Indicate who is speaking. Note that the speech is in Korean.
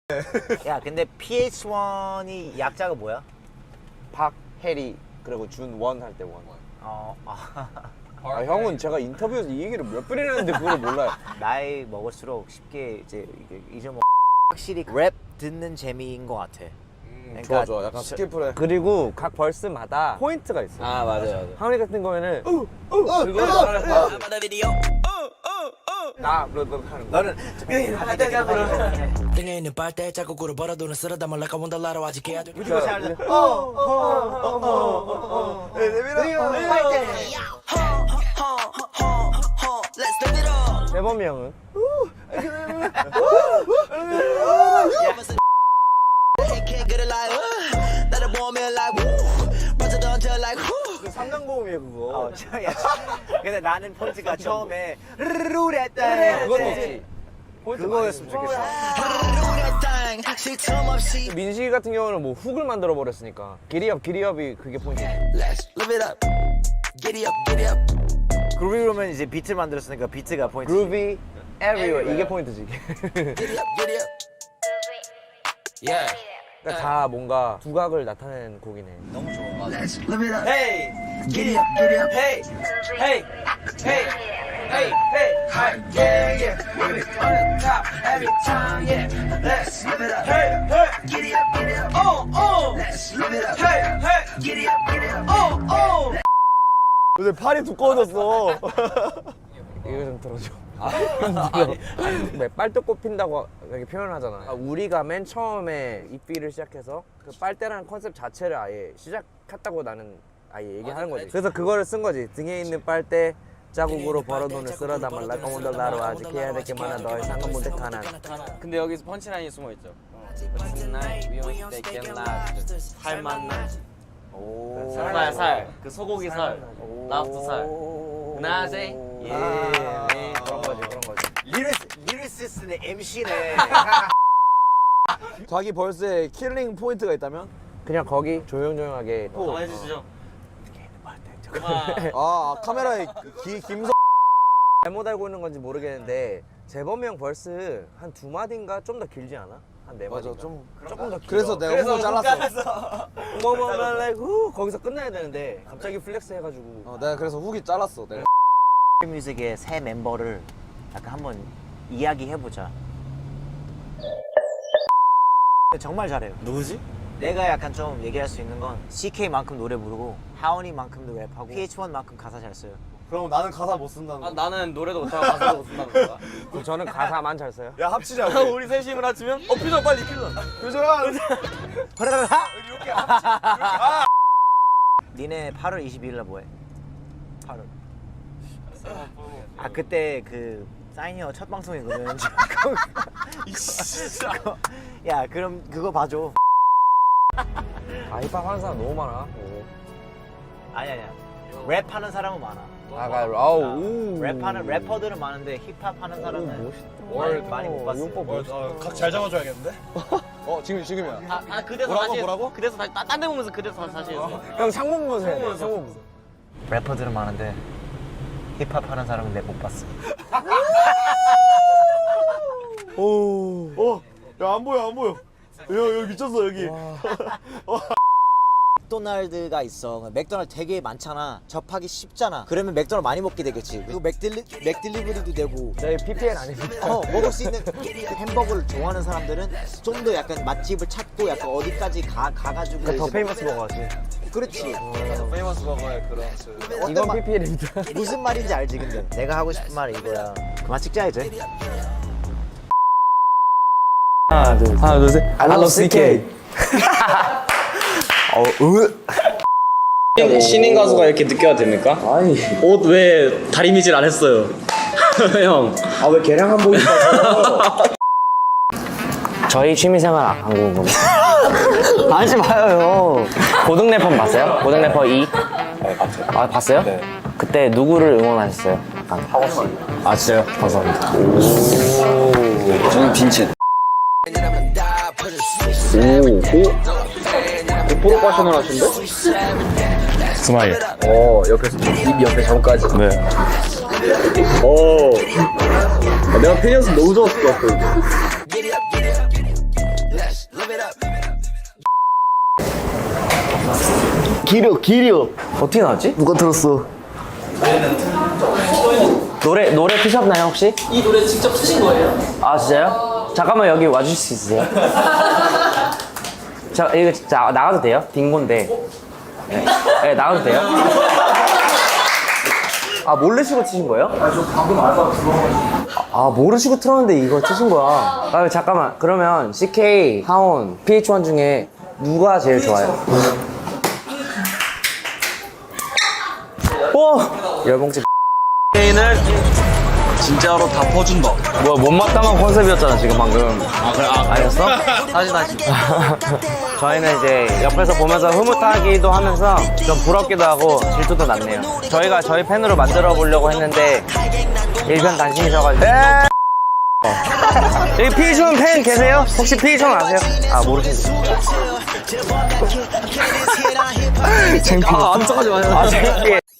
Speaker 1: 야 근데 PH1이 약자가 뭐야?
Speaker 2: 박, 해리, 그리고 준, 원 할 때 원.
Speaker 1: 아,
Speaker 2: 형은 제가 인터뷰에서 이 얘기를 몇 번이나 했는데 그걸 몰라요.
Speaker 1: 나이 먹을수록 쉽게 이제 잊어먹. 확실히 랩 듣는 재미인 것 같아. 그러니까
Speaker 2: 좋아. 약간 스킬풀해. 그리고 각 벌스마다 포인트가 있어.
Speaker 3: 아 맞아요.
Speaker 2: 하은이 같은 거에는 나 하는 거.
Speaker 1: 너는
Speaker 4: 등에 있는 빨대 자국으로 벌어두는 쓰러다 말라가 온달라로 아직 해야 돼.
Speaker 1: 무조건 잘 돼.
Speaker 2: 대범이 형은 삼단고음이에요 그거.
Speaker 1: 근데 나는 포인트가 처음에 르르르랬다.
Speaker 2: 그건 없지.
Speaker 1: 그거였으면 좋겠어.
Speaker 2: 민식이 같은 경우는 뭐 훅을 만들어 버렸으니까 기리업이 그게 포인트.
Speaker 1: 그루비로면 이제 비트를 만들었으니까 비트가 포인트.
Speaker 2: 그루비 everywhere 이게 포인트지. 그러니까 다 뭔가 두각을 나타내는 곡이네.
Speaker 1: 너무 좋아.
Speaker 3: Hey, giddy up, hey, hey, hey, hey, hey, yeah, yeah, we'll be on the top every time, yeah. Let's live it up, hey, hey, giddy up, oh, let's live it up, hey, hey, giddy up, oh.
Speaker 2: 요새 팔이 두꺼워졌어. 이거 좀 들어줘. 빨대 꼽힌다고 이렇게 표현하잖아. 우리가 맨 처음에 이 필을 시작해서 그 빨대라는 컨셉 자체를 아예 시작했다고 나는 아예 얘기하는 거지. 그래서 그거를 쓴 거지. 등에 있는 빨대 자국으로 벌어돈을 쓸어다 말라 까문들 나로 아직 해야 될 게 많아 너의 상은 못해 가난.
Speaker 3: 근데 여기서 펀치라인이 숨어 있죠. Tonight we won't take it last. 살 만나. 살. 그 소고기 살. 랍스터 살. 나세. 예.
Speaker 2: 그런 거지.
Speaker 1: 리리시스네 MC네.
Speaker 2: 자기 벌스에 킬링 포인트가 있다면? 그냥 거기 조용조용하게
Speaker 3: 한번 해주시죠.
Speaker 2: 카메라에 김성 잘못 알고 있는 건지 모르겠는데 재범이 형 벌스 한 2마디인가 좀 더 길지 않아? 한 4마디인가? 맞아 조금 더 길어. 그래서 내가 훅을 잘랐어. 거기서 끝나야 되는데 갑자기 플렉스 해가지고 내가 그래서 훅이 잘랐어. 내가
Speaker 1: 뮤직의 새 멤버를 약간 한번 이야기해보자. 정말 잘해요.
Speaker 3: 누구지?
Speaker 1: 내가 약간 좀 얘기할 수 있는 건 CK만큼 노래 부르고 하원이만큼도 랩하고 PH1만큼 가사 잘 써요.
Speaker 5: 그럼 나는 가사 못 쓴다는 거.
Speaker 3: 나는 노래도 못하고 가사도 못 쓴다는 거야.
Speaker 2: 저는 가사만 잘 써요.
Speaker 5: 야 합치자.
Speaker 3: 우리 셋이 힘을 합치면 표정 빨리 표정.
Speaker 5: 표정아.
Speaker 1: 니네 8월 22일 날 뭐해? 8월. 아 그때 그 사인이어 첫 방송이거든. 야 그럼 그거 봐줘.
Speaker 2: 힙합 하는 사람 너무 많아.
Speaker 1: 아니야. 랩하는 사람은 많아. 랩하는 래퍼들은 많은데 힙합 하는 사람은 많이 못 봤어.
Speaker 5: 각 잘 잡아줘야겠는데? 지금이야.
Speaker 3: 그래서
Speaker 5: 뭐라고?
Speaker 3: 그래서 다시 딴 데 보면서 그래서 다시 했어.
Speaker 2: 형 상봉 보세요. 상봉 보세요.
Speaker 1: 래퍼들은 많은데 힙합 하는 사람은 내 못 봤어.
Speaker 5: 야 안 보여. 야 여기 미쳤어 여기.
Speaker 1: 맥도날드가 있어. 맥도날드 되게 많잖아. 접하기 쉽잖아. 그러면 맥도날드 많이 먹게 되겠지. 그리고 맥딜리버리도 되고.
Speaker 2: 저희 PPL 아닙니다.
Speaker 1: 먹을 수 있는 햄버거를 좋아하는 사람들은 좀 더 약간 맛집을 찾고 약간 어디까지 가가지고.
Speaker 2: 더
Speaker 1: 이제
Speaker 2: 페이머스 버거지.
Speaker 1: 그렇지.
Speaker 5: 페이머스 버거의 그런
Speaker 2: 이건 PPL입니다.
Speaker 1: 무슨 말인지 알지 근데. 내가 하고 싶은 말은 이거야. 그만 찍자 이제.
Speaker 2: 하나 둘 셋. I love CK.
Speaker 3: 신인 가수가 이렇게 늦게 와도 됩니까?
Speaker 2: 아니.
Speaker 3: 옷 왜 다리미질 안 했어요? 형.
Speaker 2: 왜 개량 한복 입어서? 저희 취미생활 안 궁금해.
Speaker 1: 하지 마요.
Speaker 6: 고등 래퍼 봤어요? 고등 래퍼 2? 네, 봤어요. 아, 봤어요? 네. 그때 누구를 응원하셨어요? 약간 하고 씨. 아, 진짜요? 감사합니다.
Speaker 3: 저는 빈첸.
Speaker 2: 프로 패셔널 하신데?
Speaker 6: 스마일.
Speaker 2: 입 옆에 점까지.
Speaker 6: 네.
Speaker 2: 내가 팬이었으면 너무 좋았을 것 같아.
Speaker 7: 기력.
Speaker 6: 어떻게 나왔지?
Speaker 7: 누가 들었어?
Speaker 6: 노래 피셨나요 혹시?
Speaker 8: 이 노래 직접 쓰신 거예요?
Speaker 6: 아 진짜요? 잠깐만 여기 와주실 수 있으세요? 이거 진짜 나가도 돼요? 딩고인데. 네, 나가도 돼요? 아 모르시고 치신 거예요? 저 방금 알바 들어가지고. 아 모르시고 틀었는데 이거 치신 거야. 아 잠깐만 그러면 CK, 하온, PH1 중에 누가 제일 좋아요? 오! 열봉집
Speaker 5: 게임을 진짜로 다 퍼준다.
Speaker 6: 뭐야 못마땅한 컨셉이었잖아 지금 방금. 아 그래? 아니었어?
Speaker 5: 다시.
Speaker 6: 저희는 이제 옆에서 보면서 흐뭇하기도 하면서 좀 부럽기도 하고 질투도 났네요. 저희가 저희 팬으로 만들어 보려고 했는데 일편단심이셔가지고. 여기 피존 팬 계세요? 혹시 피존 아세요? 아 모르시죠? 창피해.
Speaker 5: 안 써가지 마요.
Speaker 6: 아 창피해.